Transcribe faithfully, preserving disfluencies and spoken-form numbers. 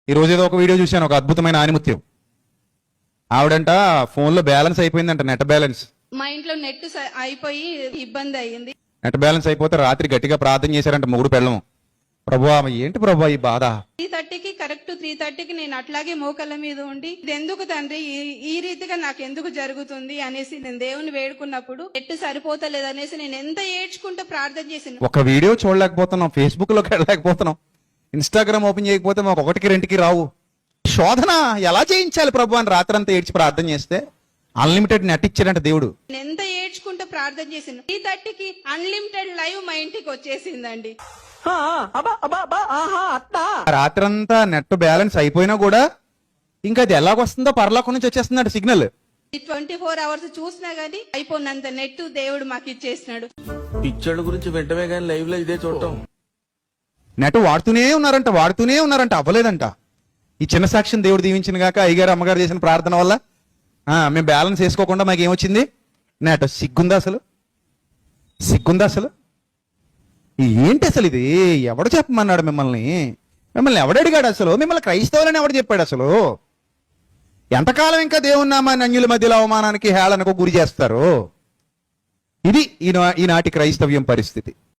ఈ రోజు ఏదో ఒక వీడియో చూశాను, ఒక అద్భుతమైన ఆనిముత్యం. ఆవిడంట ఫోన్లో బ్యాలెన్స్ అయిపోయిందంట, నెట్ బ్యాలెన్స్. మా ఇంట్లో నెట్ స- అయిపోయి ఇబ్బంది అయ్యింది. నెట్ బ్యాలెన్స్ అయిపోతే రాత్రి గట్టిగా ప్రార్థన చేశారంట మొగుడు పెళ్ళం. ప్రభువా ఏంటి ప్రభువా ఈ బాధ? త్రీ థర్టీకి కరెక్ట్ త్రీ థర్టీకి నేను అట్లాగే మోకళ్ళ మీద ఉండి ఇది ఎందుకు తండ్రి ఈ- ఈ రీతిగా నాకు ఎందుకు జరుగుతుంది అనేసి నేను దేవుని వేడుకున్నప్పుడు నెట్ సరిపోతలేదు అనేసి నేను ఎంత ఏడ్చుకుంటూ ప్రార్థన చేసిన ఒక వీడియో చూడలేకపోతున్నాం, ఫేస్బుక్ లోకి వెళ్ళలేకపోతున్నాం, ఇన్స్టాగ్రామ్ ఓపెన్ చేయకపోతే మాకు ఒకటికి రెండుకి రావు. శోధన ఎలా చేయించాలి ప్రభు అని రాత్రంతా ఏడ్చి ప్రార్థన చేస్తే అన్లిమిటెడ్ నెట్ ఇచ్చాడంట దేవుడు. నేను ఎంత ఏడ్చుకుంటూ ప్రార్థన చేసిన త్రీ థర్టీకి అన్లిమిటెడ్ లైవ్ మా ఇంటికి వచ్చేసిందండి. రాత్రంతా నెట్ బ్యాలెన్స్ అయిపోయినా కూడా ఇంకా అది ఎలాగొస్తుందో పరలోకం నుంచి వచ్చేస్తుందంట సిగ్నల్. ట్వంటీ ఫోర్ అవర్స్ చూసినా గానీ అయిపోయినంత నెట్ దేవుడు మాకు ఇచ్చేసినాడు. పిక్చర్ల గురించి వెంటనే కానీ లైవ్ లో ఇదే చూడటం. నెట్ వాడుతూనే ఉన్నారంట వాడుతూనే ఉన్నారంట అవ్వలేదంట. ఈ చిన్న సాక్ష్యం దేవుడు దీవించిన గాక అయ్యగారు అమ్మగారు చేసిన ప్రార్థన వల్ల ఆ మేము బ్యాలెన్స్ వేసుకోకుండా మాకు ఏమొచ్చింది? నెట్. సిగ్గుందా అసలు? సిగ్గుందా అసలు? ఏంటి అసలు ఇది? ఎవడు చెప్పమన్నాడు మిమ్మల్ని? మిమ్మల్ని ఎవడడిగాడు అసలు? మిమ్మల్ని క్రైస్తవులని ఎవడు చెప్పాడు అసలు? ఎంతకాలం ఇంకా దేవుని నామాన్ని అన్యుల మధ్యలో అవమానానికి హేళనకు గురి చేస్తారు? ఇది ఈనా ఈనాటి క్రైస్తవ్యం పరిస్థితి.